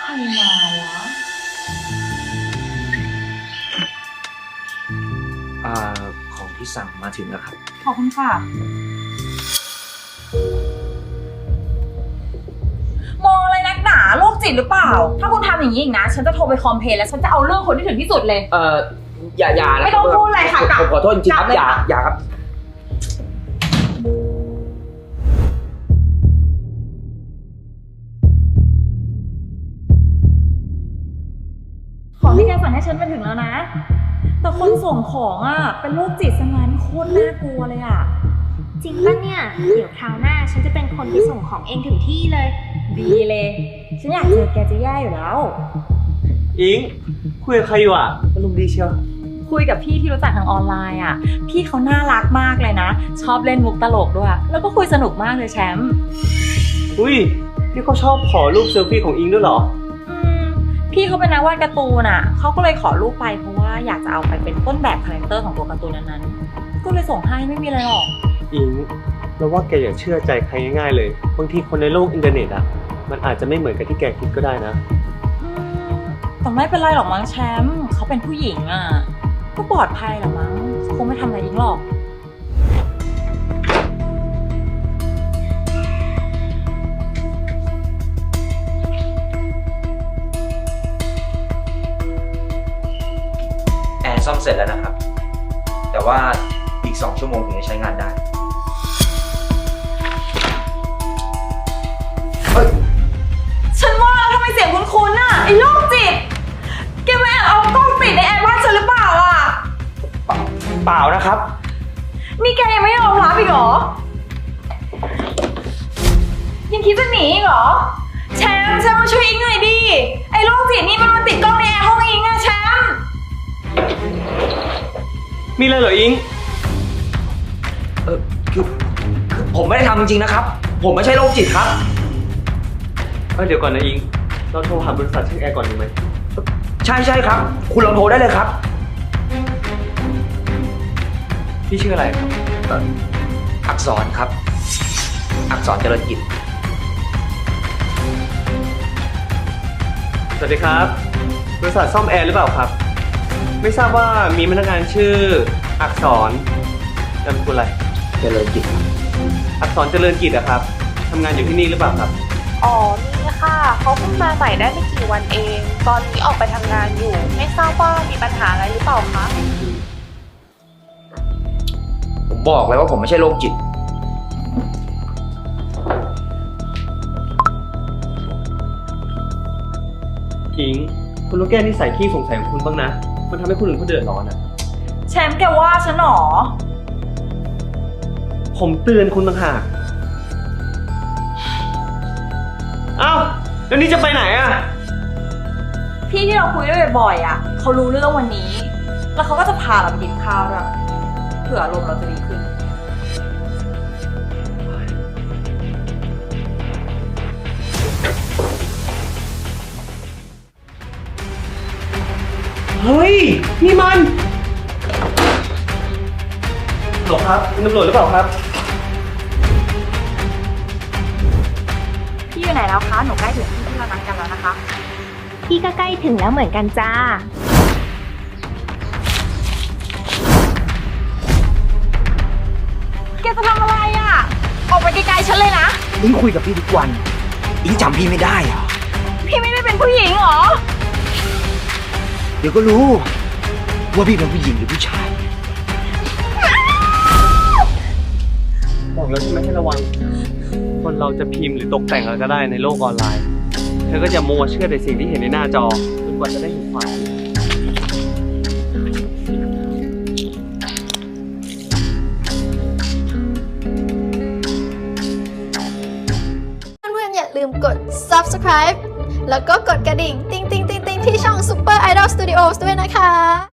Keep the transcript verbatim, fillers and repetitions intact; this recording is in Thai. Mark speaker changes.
Speaker 1: รมาวะ
Speaker 2: อ่าของที่สั่งมาถึงแล้วครับ
Speaker 1: ขอบคุณค่ะมองอะไรนักหนาโรคจิตหรือเปล่าถ้าคุณทำอย่างนี้อีกนะฉันจะโทรไปคอมเพลนแล้วฉันจะเอาเรื่องคนที่ถึงที่สุดเลย
Speaker 2: เอ่ออย่าอย่า
Speaker 1: ไม่ต้องพูดอะไรค่ะกลับ
Speaker 2: ผมขอโทษจริงครับอย่าอย่าครับ
Speaker 1: ของที่แกสั่งให้ฉันไปถึงแล้วนะแต่คนส่งของอ่ะเป็นโรคจิตซะงั้นโคตรน่ากลัวเลยอ่ะ
Speaker 3: จริงป่ะเนี่ยเดี๋ยวคราวหน้าฉันจะเป็นคนที่ส่งของเองถึงที่เลย
Speaker 1: ดีเลยฉันอยากเจอแกจะแย่อยู่แล้ว
Speaker 4: อิงคุยกับใครอยู่อ่ะอารมณ์ดีเชียว
Speaker 1: คุยกับพี่ที่รู้จักทางออนไลน์อ่ะพี่เขาน่ารักมากเลยนะชอบเล่นมุกตลกด้วยแล้วก็คุยสนุกมากเลยแชมป์
Speaker 4: อุ้ยพี่เขาชอบขอรูปเซลฟี่ของอิงด้วยเหรอ
Speaker 1: พี่เขาเป็นนักวาดการ์ตูนอ่ะเขาก็เลยขอรูปไปเพราะว่าอยากจะเอาไปเป็นต้นแบบคาแรคเตอร์ของตัวการ์ตูนนั้นๆก็เลยส่งให้ไม่มีอะไรหรอก
Speaker 4: อิงเราว่าแกอย่าเชื่อใจใครง่ายๆเลยบางทีคนในโลกอินเทอร์เน็ตอ่ะมันอาจจะไม่เหมือนกับที่แกคิดก็ได้นะ
Speaker 1: แต่ไม่เป็นไรหรอกมั้งแชมป์เขาเป็นผู้หญิงอ่ะก็ปลอดภัยหรอมั้งคงไม่ทำอะไรอิงหรอก
Speaker 2: แอร์ซ่อมเสร็จแล้วนะครับแต่ว่าอีกสองชั่วโมงถึงจะใช้งานได้
Speaker 1: ฉันว่าทำไมเสียงคุ้นๆน่ะไอ้โรคจิตแกไม่เอากล้องปิดในแอร์บ้านฉันหรือเปล่าอ่ะ
Speaker 2: เปล่าเปล่านะครับ
Speaker 1: นี่แกยังไม่ยอมรับอีกเหรอยังคิดจะหนีอีกเหรอแชมป์แชมป์มาช่วยอิงหน่อยดิไอ้โรคจิตนี่มันมาติดกล้องในแอร์ห้องอิงอะแชมป์
Speaker 4: มีเลยเหรออิง
Speaker 2: เออคือคือผมไม่ได้ทำจริงๆนะครับผมไม่ใช่โรคจิตครับ
Speaker 4: เออเดี๋ยวก่อนนะอิงเราโทรหาบริษัทเช็คแอร์ก่อนดีไหม
Speaker 2: ใช่ใช่ครับคุณลองโทรได้เลยครับ
Speaker 4: พี่ชื่ออะไรครับ
Speaker 2: อักษรครับอักษรเจริญกิจ
Speaker 4: สวัสดีครับบริษัทซ่อมแอร์หรือเปล่าครับไม่ทราบว่ามีพนักงานชื่ออักษรนามสกุลอะไร
Speaker 2: เจริญกิจ
Speaker 4: อักษรเจริญกิจอะครับทำงานอยู่ที่นี่หรือเปล่าครับ
Speaker 3: อ๋อนี่ค่ะเขาเพิ่งมาใหม่ได้ไม่กี่วันเองตอนนี้ออกไปทำงานอยู่ไม่ทราบว่ามีปัญหาอะไรหรือเปล่าคะ
Speaker 2: ผมบอกเลยว่าผมไม่ใช่โรคจิต
Speaker 4: อิงคุณต้องแก้นิสัยขี้สงสัยของคุณบ้างนะมันทำให้คนอื่นเขาเดือดร้อนอะ
Speaker 1: แชมป์แกว่าฉันหรอ
Speaker 4: ผมเตือนคุณต่างหากเอ้าแล้วนี่จะไปไหนอะ
Speaker 1: พี่ที่เราคุยด้วยบ่อยๆอ่ะเขารู้เรื่องวันนี้แล้วเขาก็จะพาเราไปกินข้าวด้วยเผื่ออารมณ์เราจะดีขึ้น
Speaker 4: เฮ้ยนี่มันหรอครับตำรวจหรือเปล่าครับ
Speaker 1: พี่อยู่ไหนแล้วคะหนูใกล้ถึงที่ที่เรานัดกันแล้วนะคะ
Speaker 3: พี่ก็ใกล้ถึงแล้วเหมือนกันจ้า
Speaker 1: แกจะทำอะไรอ่ะออกไปไกลๆฉันเลยนะ
Speaker 2: อิงคุยกับพี่ทุกวันอิงจำพี่ไม่ได้เหรอ
Speaker 1: พี่ไม่ได้เป็นผู้หญิงเหรอ
Speaker 2: เดี๋ยวก็รู้ว่าพี่เป็นผู้หญิงหรือผู้ชาย
Speaker 4: บอกแล้วใช่ไหมให้ระวังคนเราจะพิมพ์หรือตกแต่งอะไรก็ได้ในโลกออนไลน์เธอก็จะมัวเชื่อในสิ่งที่เห็นในหน้าจอจนกว่าจะได้เห็นความจริง
Speaker 5: เพื่อนๆอย่าลืมกด ซับสไครบ์ แล้วก็กดกระดิ่ง ติ๊งติ๊งติ๊งติ๊งที่ช่อง Super Idol Studios ด้วยนะคะ